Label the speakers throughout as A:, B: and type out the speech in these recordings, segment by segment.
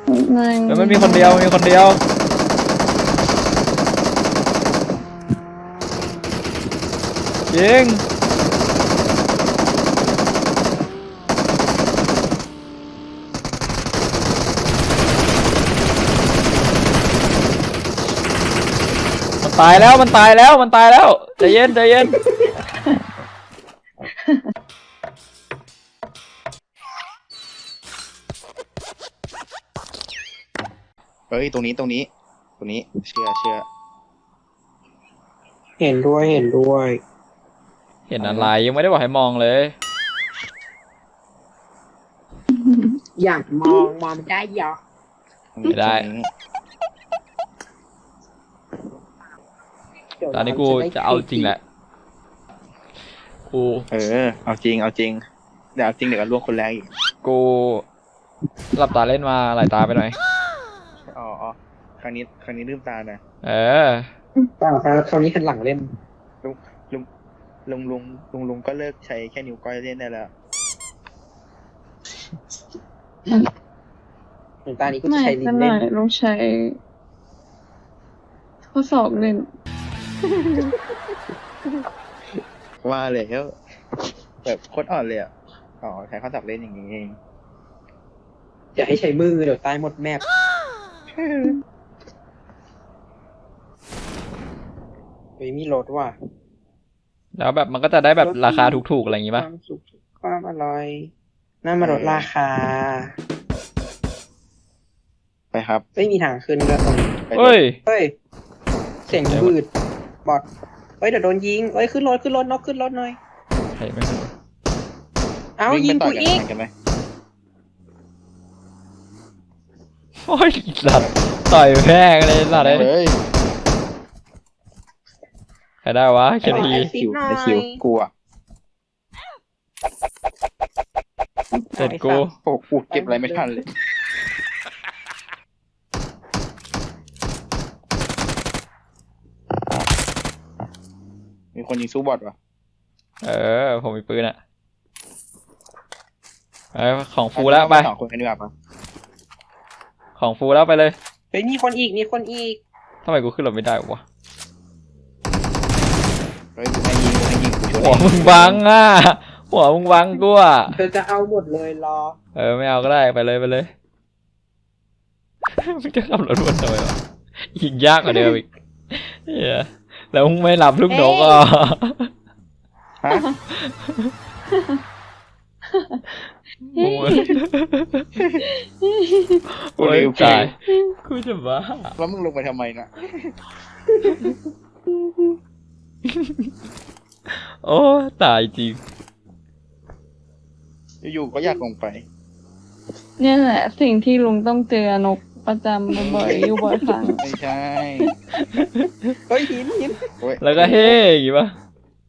A: แล้วมันมีคนเดียวมีคนเดียวยิงมันตายแล้วมันตายแล้วมันตายแล้วใจเย็นใจเย็น
B: เฮ้ยตรงนี้เชื่อ
C: เห็นด้วยเห็นด้วย
A: เห็นอะไรยังไม่ได้บอกให้มองเลย
C: อยากมองได้ยอ
A: ไม่ได้ ตอนนี้กูจะเอาจริงแหละกู
B: เอาจริงเดี๋ยวเอาจริงเดี๋ยวก็ลวกคนแรกอีก
A: กูหลับตาเล่นมาหลายตาไปหน่อย
B: อ๋อครั้งนี้ลืมตานะ
A: เออ
C: เปล่าครับคราวนี้คันหลังเล่น
B: ลุงก็เลิกใช้แค่นิ้วก้อยเล่นได้แล้ว
C: ถึงตานี้ก็จะ
D: ไม่
C: ใช้ลิ้
D: ข
C: น
D: นา
C: เล่น
D: ดลองใช้ข้อศอกเล่น
B: ว่าเลยแบบโคตรอ่อนเลยอ่ะอ๋อใช้ข้อศัพท์เล่นอย่างนี้เอง
C: อย่าให้ใช้มือเดี๋ยวตายหมดแมปเฮ้ยมีรถว่ะ
A: แล้วแบบมันก็จะได้แบบราคาถูกๆอะไรอย่างงี้
C: ค
A: ป่ะ
C: วามสุขความอร่อยน่ามาลดราคา
B: ไปครับ
C: ไม่มีทางขึ้นแล้วตรงนี้
B: ไป
A: เฮ้ย
C: เฮ้ยเสียงบืดบอดเฮ้ยเดี๋ยวโดนยิงเฮ้ยขึ้นรถนกขึ้นรถหน่อย
A: ใช่ไหม
C: เอ้า
B: วิ่
C: ยิง
B: ไปต่
C: กู
B: อย
C: อีก
B: กันไหม
A: โอ้ยสัตว์ต่อยแพงเลยสัตว์เลย
B: เฮ้ย
A: ใครได้วะแค่ที
B: ได้คิวกูอ่ะ
A: เสร็จกู
B: โอ้กูเก็บอะไรไม่ทันเลยมีคนยิงสู้บอทวะ
A: เออผมมีปืนอะไปของฟูแล้วไป
B: สองคนกันดีกว่าปะ
A: ของฟูแล้วไปเลย
C: เฮ้ยมีคนอีก
A: ทำไมกูขึ้นรถไม่ได้วะ
B: เฮ้ยกูให้ยิงกูช่วย
A: หัวมึงบังอ่ะหัวมึงบังกูอ่ะ
C: เธอจะเอาหมดเลยรอ
A: เออไม่เอาก็ได้ไปเลยมึงจะขับรถวนทำไมวะยิงยากกว่าเดิมอีกเหี้ยแล้วมึงไม่หลับลูกนกอ่ะ
B: ฮะ
A: โอ้ยโอ้ยตายกูจะบ้า
B: แล้วมึงลงไปทำไมนะ
A: โอ้ตายจริง
B: อยู่ๆก็อยากลงไป
D: เนี่ยแหละสิ่งที่ลุงต้องเจอนกประจำบ่อยๆอยู่บ่อยครั้ง
B: ไม่ใช่
C: เฮ้ยหิน
B: โอ้ย
A: แล้วก็เฮ้อย่างงี้ปะ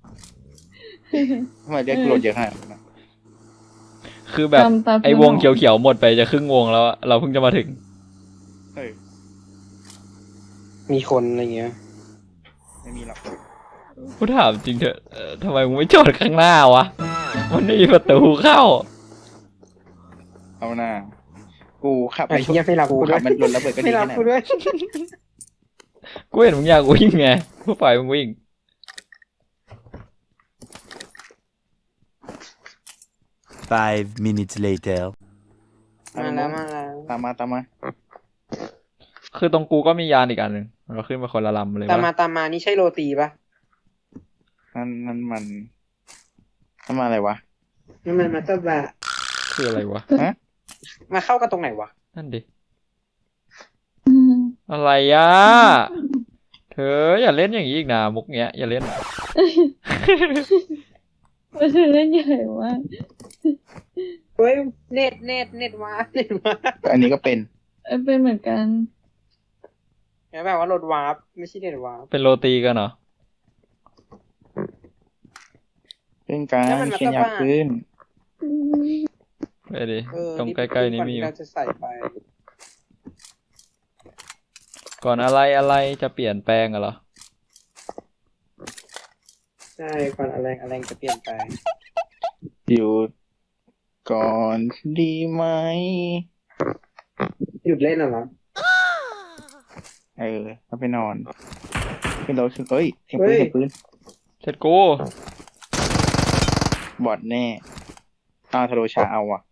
B: ทำไมเรียกกูโหลดเยอะขนาดนั้นนะ
A: คือแบบ
D: จำตา
A: ไอ้วงเขียวๆหมดไปจะครึ่งวงแล้วอะเราเพิ่งจะมาถึง
B: เฮ้ย
C: มีคนอะไรเงี้ย
B: ไม่มีหรอก
A: กูถามจริงเถอะทำไมมึงไม่จอดข้างหน้าวะมันไม่มีประตูเข้า
B: เอาหน้ากูขับ
C: ไอ้เหี้ยไม่รับ
B: กู
C: กูด้
B: ขั
C: ว
B: บ
C: ย
B: มันรถระเบิดก็ดี
C: ไม่รับ
B: แค่ไหน
C: กูด้วย
A: กูเห็นมึงอยากวิ่งไงกูปล่อยมึงวิ่ง
E: 5 minutes later.
C: มาแล้ว
B: ตามมา
A: คือตรงกูก็มียานอีกอันหนึ่งเราขึ้นมาคนละลำเลย
C: ตาม
A: วะ
C: มานี่ใช่โรตีปะ
B: นั่นมันอะไรวะ
C: นั่นมันมาตบะ
A: คืออะไรวะ
B: ฮะ
C: มาเข้ากันตรงไหนวะ
A: นั่นดิอะไรอ่ะเธออย่าเล่นอย่างนี้อีกนะมุกเนี้ยอย่าเล่น
D: มันจะเล่นใหญ่มาก
C: เฮ้ยเน็ตมา
B: อันนี้ก็เป็น
D: เป็นเหมือนกัน
C: แล้วแบบว่ารถวาร์ปไม่ใช่เน็ตวาร์ป
A: เป็นโรตีกันเหรอ
B: เป็นการเขียนยาขึ้น
A: ไปดิตรงใกล้ๆนี้มีอยู่
C: เราจะใส่ไป
A: ก่อนอะไรจะเปลี่ยนแปลงอะเหรอ
C: ใช่ก่อนอะไรจะเปลี่ยนไป
B: อยู่ก่อนดีไหม
C: หยุดเล่นเหรอ
B: แล้วไปนอนขึ้นรถขึ้นเอ้ยเสียงปืนเสียงปืน
A: เสร็จกู
B: บอดแน่ทาโรชาเอาอ่ะ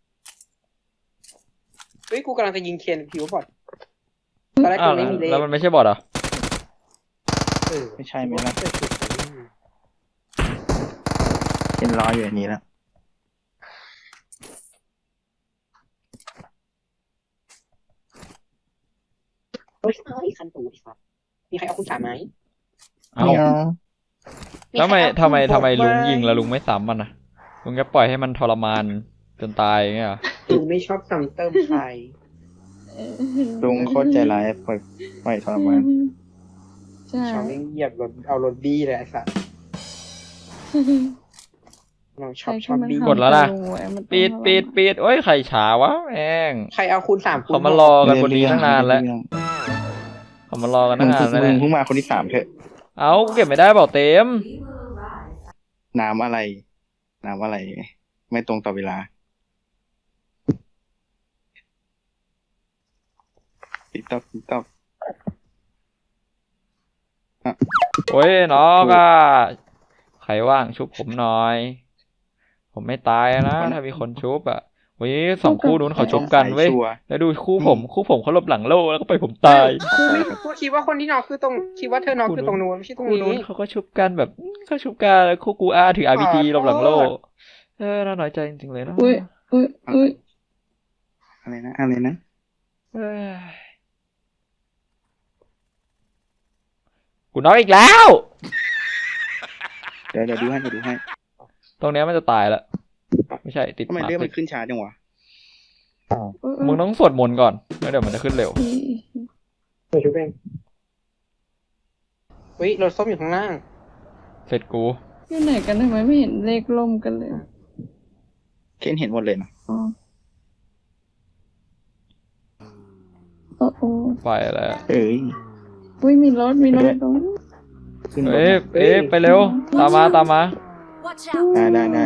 C: เฮ้ยกูกำลังจะยิงเคนผิวบอดตอนแรก
A: อ้า
C: กู
A: ว
C: ไม่มีเลข
A: แล้วมันไม่ใช่บอทเหรอ
B: ไม่ใช่ไหมล่ะเห็นรออยู่อย่างนี้แล้ว
C: เฮ้ยคันตูดิครับมีใครเอาคุณสามไหม
A: เอ้า
B: ไม่เอา
A: แล้วทำไมลุงยิงแล้วลุงไม่ซ้ำมันนะลุงจะปล่อยให้มันทรมานจนตายอย่างเงี้ยเหรอ
C: ลุงไม่ชอบซ้ำเติมใคร
B: ลุงโคตรใจร้ายปล่อยทรมาน
D: ใช่
C: ชอบเหยียบรถเอารถบี้เลยไอ้สัสน้องชอบบี้
A: กดแล้วนะปิดโอ้ยไข่ฉาวะแม่ง
C: ใครเอาคุณสาม
A: เขามารอกันบนนี้ตั้งนานแล้วเขามารอกันตั้งนานแล้ว
B: ลุ
A: เนี่
B: ง
A: ย
B: เพิ่งมาคนที่สามเถอะ
A: เอ้ากูเก็บไม่ได้บอกเต็ม
B: น้ำอะไร ไม่ตรงต่อเวลาติ๊กต๊อก
A: โอ้ยน้องอ่ะใครว่างชุบผมหน่อย ผมไม่ตายนะถ้ามีคนชุบอ่ะเว้ยสองคู่นู้นเขาชุบกันเว้ย
B: ชัวร์
A: แล้วดูคู่ผมเขาหลบหลังโล่แล้วก็ไปผมตาย
C: กูคิดว่าคนที่น้องคือตรงคิดว่าเธอน้องคือตรงนู้นไม่ใช่ตรง
A: คู่นู้
C: นี้
A: นเขาก็ชุบกันแบบเขาชุบกันแล้วคู่กูอาถือ RPG หลบหลังโล่น่าน้อยใจจริงๆเลยนะ
D: อุ้ย
B: อะไรนะ
A: เอ้ยกูน็อกอีกแล้ว
B: เดี๋ยวดูให้
A: ตรงเนี้ยมันจะตายแล้วไม่ใช่ติด
B: ทำไม
A: หมา
B: เรื่อง
A: ติ
B: มั
A: ด
B: นขึ้นช้าจังวะ
A: มึงต้องสวดมนต์ก่อนแล้วเดี๋ยวมันจะขึ้นเร็ว
C: เปิดชุบเองเฮ้ยรถส้มอยู่ข้างล่าง
A: เสร็จกู
D: อยู่ไหนกันทำไมไม่เห็นเลขล่มกันเลย
B: เคนเห็นหมดเลยนะ
D: อ๋อโอ้
A: ไปแล้ว
D: อุ้ยมีรถตรงนี้
B: ขึ้นรถ
A: ไปเร็วตามมา
E: Watch out!
B: ได้ไป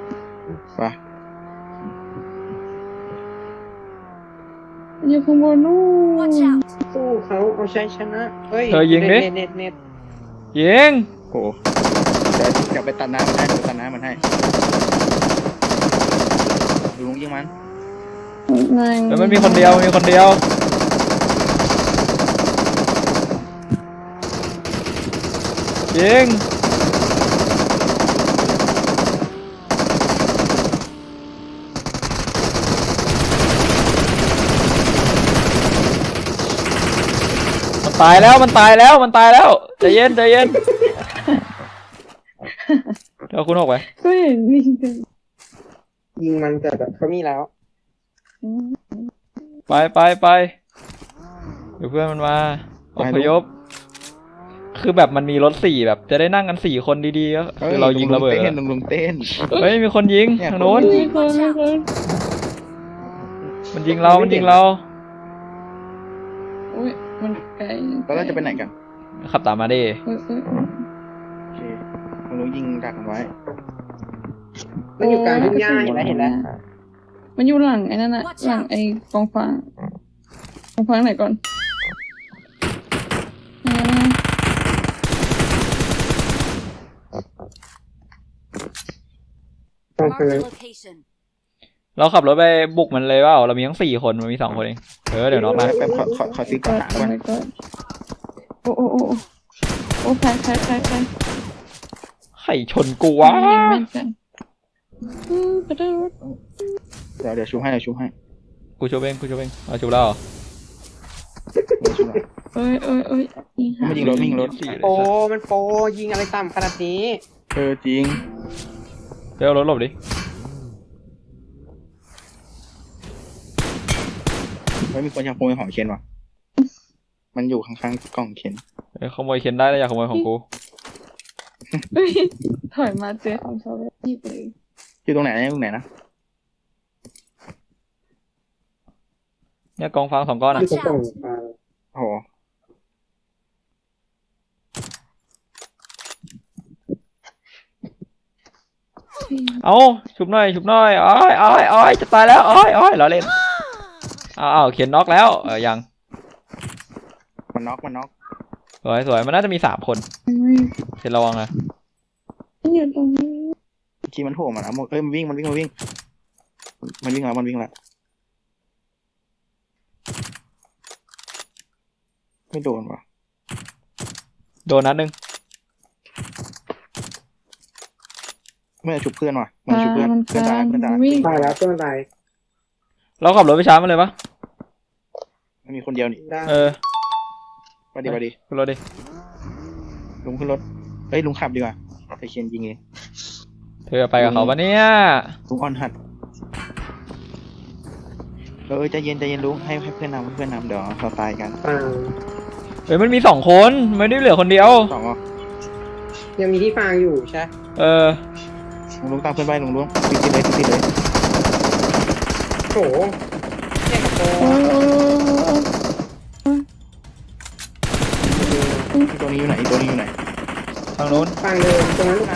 D: อยู่ข้างบนนู่
E: Watch
D: น
E: out!
C: สู้เขาเอาชัยชนะเฮ้ย
A: เธอยิงดิ
C: เน็ต
A: ยิง
B: โอ้เดี๋ยวกลับไปตัดน้ำมันให้ดูลุงยิงมัน
A: แล้วมันมีคนเดียวยิงมันตายแล้วใจเย็นเดี๋ยวคุณออกไป
D: ก็เห็นจริง
C: ยิงมันแต่แบบเขามีแล้ว
A: ไปเดี๋ยวเพื่อนมันมาอพยพคือแบบมันมีรถ4แบบจะได้นั่งกัน4คนดีๆก็คือเรายิงระเบิด
B: ลุงเต้น
A: เฮ้ยมีคนยิงทางโน้น
D: มีคน
A: มันยิงเรา
D: อุ้ยมันไกล
B: แล้วเราจะไปไหนกัน
A: ขับตามมาดิ
B: โอเคลุงยิงดักกันไว้
C: มันอยู่กลางทุ่งหญ้าเห็นแล้ว
D: มันอยู่หลังไอ้นั่นน่ะหลังไอ้กองฟางไหนก่อน
C: ต้องคือ
E: Mark the location.
A: เราขับรถไปบุกมันเลยเปล่าเรามีทั้ง4คนมันมี2คนเองเดี๋ยวน้องมา
B: แป๊บขอซื้อกระถางก่อน
D: โอ้ใคร
A: ไข่ชนกูวะ
D: แม่นกันกระโดด
B: เดี๋ยวชุบให้
A: กูชูเองเอาชูแล้วเหรอ
D: เอ้ย
B: ไม่ยิงรถ
C: โปมันโปยิงอะไรต่ำขนาดนี้
B: จริง
A: เดี๋ยวเอารถหลบดิ
B: ไม่มีคนอยากขโมยของเคนวะมันอยู่ข้างๆกล่องเคน
A: ขโมยเคนได้แล้วอย่าขโมยของกู
D: ถอยมาเจอของชาวบ้านที่เลย
B: อยู่ตรงไหนนะ
A: เนี่ยกองฟาง2ก้อนอ่ะ
C: อยู่ตรงกลาง
B: โอ้โห
A: เอาชุบหน่อยอ้อยจะตายแล้วอ้อยเราเล่นอ้าวเขียนน็อกแล้วยัง
B: มันน็อก
A: สวยสวยมันน่าจะมี3 คนเขียนระวังนะ
D: อยู่ตรงนี้
B: ทีมันโผล่มาแล้วมันวิ่งแล้วไม่โดนวะ
A: โดนนัดหนึ่ง
B: ไม่ได้ฉุบเพื่อนว่ะไม่ได้ฉุบเพื่อน
D: มัน
B: เพื่อนตาย
D: วิ่ง
C: ตายแล้วเพื่อนตาย
A: เราขับรถไปช้ามันเลยปะ
B: มันมีคนเดียวนี่
C: ได้
B: ไปดิ
A: ขึ้นรถดิ
B: ลุงขึ้นรถเฮ้ยลุงขับดีกว่าไปเคียนยิงเอง
A: เธอไปกับเขาปะเนี่ย
B: ลุงออนหัดใจเย็นลุงให้เพื่อนนำเดี๋ยวเราตายกัน
C: ฟัง
A: เฮ้ยมันมี2 คนไม่ได้เหลือคนเดียว
B: สองอ่ะ
C: ยังมีที่ฟังอยู่ใช่
B: ลุงตามเพื่อนไปลุงติดเลย
C: โอ้โหเนี่ยกับโป
B: ตัวนี้อยู่ไหน
A: ทางนู้น
C: ฟังเดิมตรงนั้นลูกครับ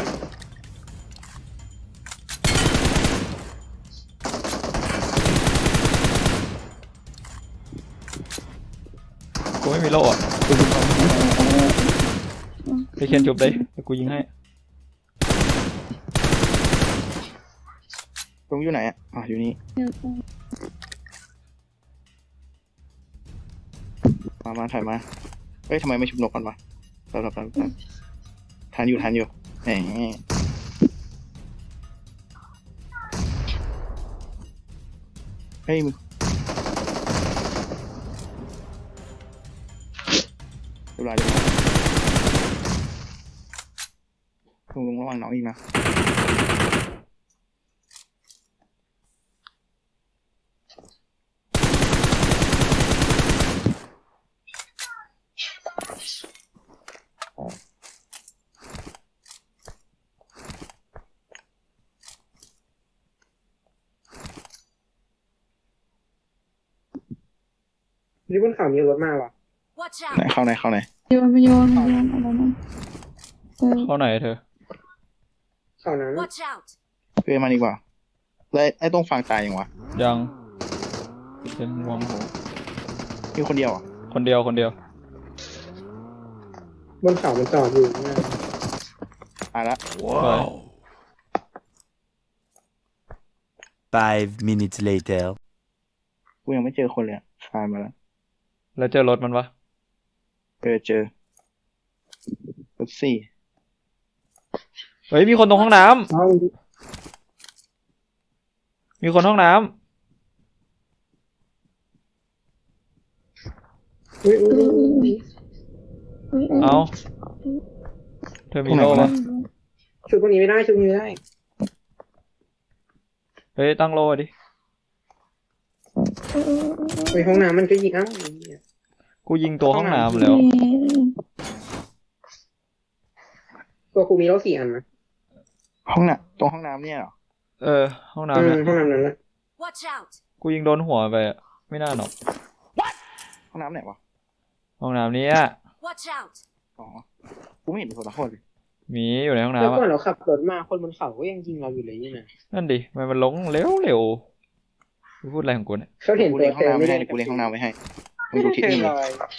A: กูไม่มีโล่อะไปเขียนจบเลยเดี๋ยวกูยิงให้
B: ลุงอยู่ไหนอ่ะอยู่นี่มาถ่ายมาเอ้ยทำไมไม่ชุบนกกันวะเราทันอยู่แหมเฮ้ยมึงเรียบร้อยลุงระวังน้องอีกนะ
C: นี่บนเขามีรถมากว่ะ
E: Watch
B: ไหน
E: out!
B: เข้าไหน
D: โยนอะไรนั่น
A: เข้าไหนเธอ
C: เขานั้น
E: Watch out!
B: เพื่อนมาดีกว่าแล้วไอ้ต้องฟังตายยังวะ
A: ยังเป็นวง
B: มีคนเดียวอ่ะ
A: คนเดียว
C: บนเขามันจอดอยู่นะ
B: ตายละ
F: 5 minutes later.
B: กูยังไม่เจอคนเลยคลายมาแล้ว
A: แล้วเจอรถมันปะ
B: เจอรถ4
A: เฮ้ยมีคนตรงห้องน้ำ
C: ห้อง
A: มีคนห้องน้ำ
C: อุ้ย
A: เอาเธอมีโล่ปะ
C: ชุดพวกนี้ไม่ได้ชุดนี้ไม่ได้
A: เฮ้ยตั้งโล่ดิ
C: ไปห้องน้ำมันก็ยิงอ้าว
A: กูยิงตัวห้องน้ำแล้ว
C: ตัวกูมีรถ4 อันนะ
B: ตรงห้องน้ำเนี่ยเหรอ
A: ห้องน้ำเนี่ย
C: ห้องน้ำนั้นแหละ
E: Watch out!
A: กูยิงโดนหัวไปอะไม่น่าหรอก
B: ห้องน้ำไหนวะ
A: ห้องน้ำนี้
E: Watch out!
B: อ๋อกูไม่เห็นมีคนละคนเลย
A: มีอยู่ในห้อง
C: แล้ว
A: น้ำ
C: ก่อ
A: อะ
C: นเราขับรถมาคนบนเขาก็ยังยิงเราอยู่เลยนี่นะ
A: นั่นดิมันลงเร็วกูพูดอะไรของกูเนี่ย
C: เขาเห็น
B: กู
C: ตั
B: เลี้
C: วย
B: งห้
C: เธ
B: อง
C: อ
B: น้ำ
C: ไม่
B: ไม่
C: ได้
B: ให้กูเลี้ยงห้องน้ำไว้ให้มึงดูทิศนี่เลย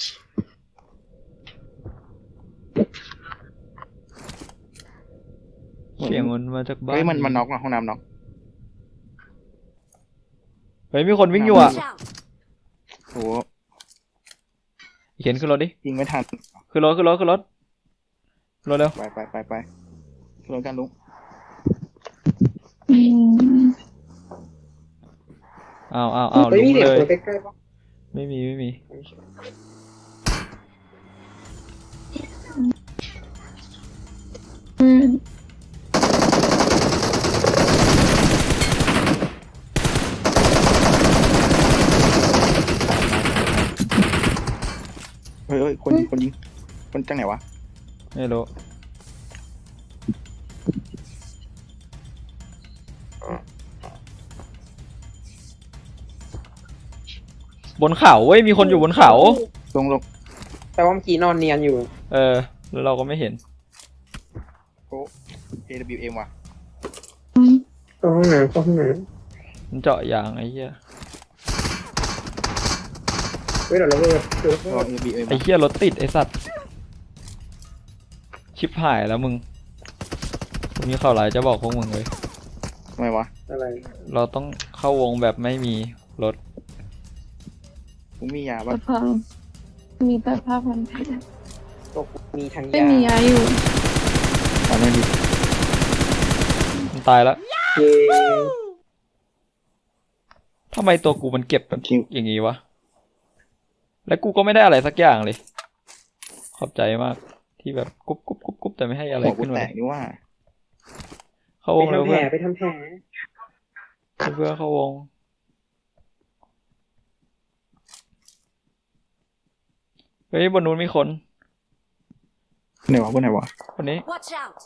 A: เสียงมันมาจากบ้าน
B: เฮ้ยมันน็อกอ่ะห้องน้ำน็อก
A: เฮ้ยมีคนวิ่งอยู่อะ
E: Watch out!
B: โห
A: เขียนขึ้นรถดิ
B: ยิงไม่ทัน
A: ขึ้นรถเร็ว
B: ไปขึ้นรถกันลุง
A: อ้าว
C: เฮ้ย
A: ลุ
C: มี
A: ง
C: เสียง
A: เลย
C: คนใกล้ๆปะ
A: ไม่มี
B: เฮ้ยคนยิงคนจังไหนวะ
A: ไม่รู้บนเขาเว้ยมีคนอยู่บนเขา
B: ลง
C: แปลว่าเมื่อกี้นอนเนียนอยู่
A: แล้วเราก็ไม่เห็น
B: โอ้ AWM ว่ะ
C: เข้าห้องน้ำ
A: มันเจาะยางไอ้เหี้ย
C: ฮ้ยเดี๋ยวระเบิดเดี๋ยวระ
B: รอ
C: เบิด
B: ABM
A: ไอ้เหี้ยรถติดไอ้สัตว์ ชิบหายแล้วมึงมีข่าวร้ายจะบอกพวกมึงเลย
B: ทำไมวะ
C: อะไร
A: เราต้องเข้าวงแบบไม่มีรถ
B: กูมียา
D: แต่
B: ปะ
D: พังมีแต่ผ้าพันแผล
C: ตกมีทาง
D: ไม่มียาอยู่
B: ตอนนี้ดิ
A: มันตายแล้ว
C: เย้
A: ทำไมตัวกูมันเก็บแบบ
B: คิว
A: อย่างงี้วะ แล้วกูก็ไม่ได้อะไรสักอย่างเลย ขอบใจมาก ที่แบบกุ๊บกุ๊บกุ๊บกุ๊บแต่ไม่ให้อะไร
B: หัวกู
A: ขึ้นมา
B: แต
A: เล
B: ก
A: ย
B: นี่ว่า
A: เข้า
C: ไป
A: วงแล้ว
C: ทำแผล
A: เพื่อน
C: ไปทำแผล
A: เพื่อนเข้าวง เฮ้ยบนนู้นมีคน
B: ไหนวะพวกไหนวะ
A: คนนี้
E: Watch out!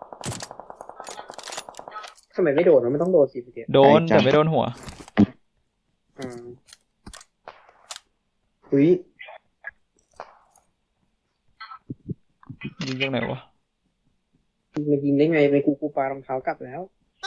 C: ทำไมไม่โดนวะมันต้องโดนสิพี่เดีย
A: โดนแต่ไม่โดนหัว
C: อ่าอุ้ย
A: ยิงจากไหนวะ
C: มันยิงได้ไงไปกูปารองเท้ากลับแล้ว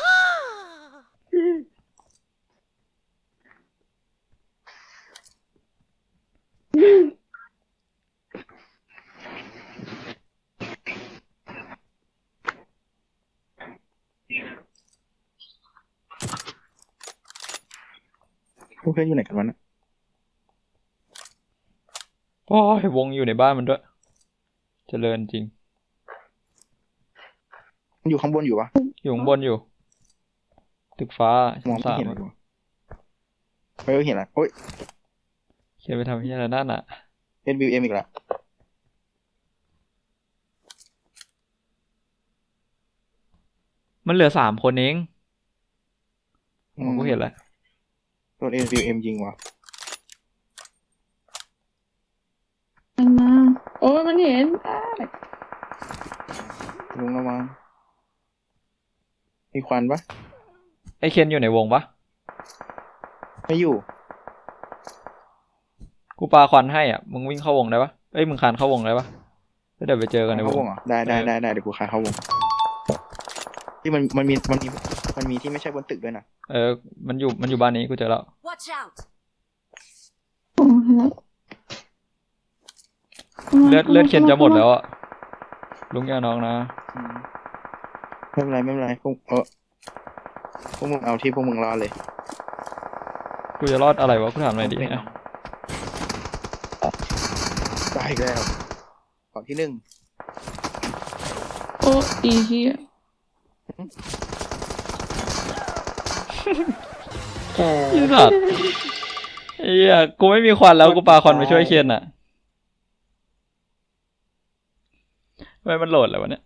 B: พวกเพื่อนอยู่ไหนกันวะเนี่ย
A: โอ้ยวงอยู่ในบ้านมันด้วย เจริญจริง
B: มันอยู่ข้างบนอยู่ปะ
A: อยู่ข้างบนอยู่ ตึกฟ้าม
B: อง
A: ชั้น
B: ไม่
A: สาม
B: เห็นเลยว่ะเฮ้ยเห็นละโอ้ย
A: เขียนไปทำที่อะไรนั่นอ่ะ
B: SBM อีกละ
A: มันเหลือ3 คนเองอ๋อกูเห็นแล้ว
B: โดน SBM ยิงว่ะ
D: มันมา โอ้ยมันเห็นอ้าย
B: ลุงระวังมีควันปะ
A: ไอเคนอยู่ในวงปะ
B: ไม่อยู่
A: กูปาควันให้อ่ะ มึงวิ่งเข้าวงได้ปะเอ้ยมึงคานเข้าวงได้ปะแล้วเดี๋ยวไปเจอกันในว
B: เข้าง วงเหรอได้เดี๋ยวกูคายเข้าวงที่มันมีที่ไม่ใช่บนตึกด้วยนะ
A: มันอยู่บ้านนี้กูเจอแล้ว
E: Watch out!
D: โอ้ย
A: เลือดเคนจะหมดแล้วอ่ะ ลุงอย่าน้องนะ
B: ไม่เป็นไรพวกพวกมึงเอาที่พวกมึงรอเลย
A: กูจะรอดอะไรวะ กูถามหน่อยดิอ่ะ
B: ได้อีกแล้วก่อนที่
D: โอ้อีเหี้ย
C: แค่
A: ไอ้สัตว์ไอ้เหี้ยกูไม่มีควันแล้วกูปาควันไปช่วยเคนอ่ะทำไมมันโหลดแล้ววะเนี่ย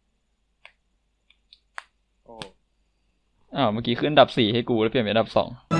B: โอ้
A: อ้าวเมื่อกี้ขึ้นอันดับ 4ให้กูแล้วเปลี่ยนเป็นอันดับ 2